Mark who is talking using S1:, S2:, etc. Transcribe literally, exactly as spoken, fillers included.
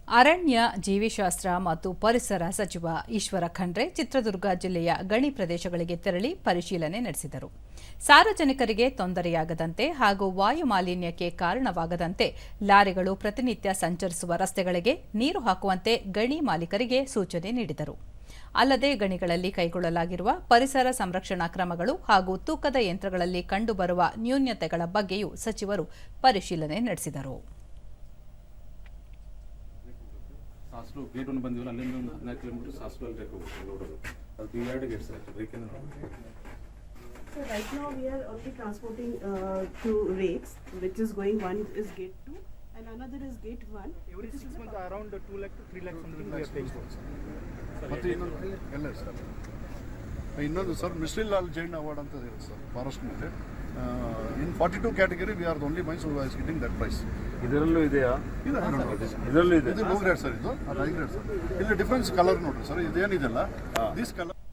S1: ಅರಣ್ಯ ಜೀವಿಶಾಸ್ತ್ರ ಮತ್ತು ಪರಿಸರ ಸಚಿವ ಈಶ್ವರ ಖಂಡ್ರೆ ಚಿತ್ರದುರ್ಗ ಜಿಲ್ಲೆಯ ಗಣಿ ಪ್ರದೇಶಗಳಿಗೆ ತೆರಳಿ ಪರಿಶೀಲನೆ ನಡೆಸಿದರು. ಸಾರ್ವಜನಿಕರಿಗೆ ತೊಂದರೆಯಾಗದಂತೆ ಹಾಗೂ ವಾಯು ಮಾಲಿನ್ಯಕ್ಕೆ ಕಾರಣವಾಗದಂತೆ ಲಾರಿಗಳು ಪ್ರತಿನಿತ್ಯ ಸಂಚರಿಸುವ ರಸ್ತೆಗಳಿಗೆ ನೀರು ಹಾಕುವಂತೆ ಗಣಿ ಮಾಲೀಕರಿಗೆ ಸೂಚನೆ ನೀಡಿದರು. ಅಲ್ಲದೆ ಗಣಿಗಳಲ್ಲಿ ಕೈಗೊಳ್ಳಲಾಗಿರುವ ಪರಿಸರ ಸಂರಕ್ಷಣಾ ಕ್ರಮಗಳು ಹಾಗೂ ತೂಕದ ಯಂತ್ರಗಳಲ್ಲಿ ಕಂಡುಬರುವ ನ್ಯೂನತೆಗಳ ಬಗ್ಗೆಯೂ ಸಚಿವರು ಪರಿಶೀಲನೆ ನಡೆಸಿದರು.
S2: ಸಾಸ್ಲು ಗೇಟ್ ಒಂದು ಬಂದಿವಲ್ಲ, ಅಲ್ಲಿಂದ ಒಂದು ಹದಿನಾಲ್ಕು ಕಿಲೋಮೀಟರ್ ಸಾಸ್ಲು ಅಲ್ಲಿ ಹೋಗೋದು. ಅದು ಬಿ ಎರಡು ಗೇಟ್ ಸರ್, ಬೇಕೆಂದ್ರೆ
S3: So right now we are only transporting uh, two rakes, which is going, one is gate two and another is gate one.
S4: Every six months around two lakh to three lakh something we are paying for.
S5: ಮತ್ತೆ ಇನ್ನೊಂದು ಎಲ್ಲ sir ಇನ್ನೊಂದು sir mister Lal Jain award ಅಂತ ಇದೆ sir forest ಮೇಲೆ. In forty two category we are the only mines who is getting that prize.
S6: ಇದರಲ್ಲೂ ಇದೆಯಾ?
S5: ಇದರಲ್ಲೂ ಇದೆ. ಇದು ಲೋ ಗ್ರೇಡ್ ಸರ್, ಇದು ಹೈ ಗ್ರೇಡ್ ಸರ್. ಇಲ್ಲಿ ಡಿಫ್ರೆನ್ಸ್ ಕಲರ್ ನೋಡ್ರಿ ಸರ್, ಇದೇನಿದೆಲ್ಲ ದಿಸ್ ಕಲರ್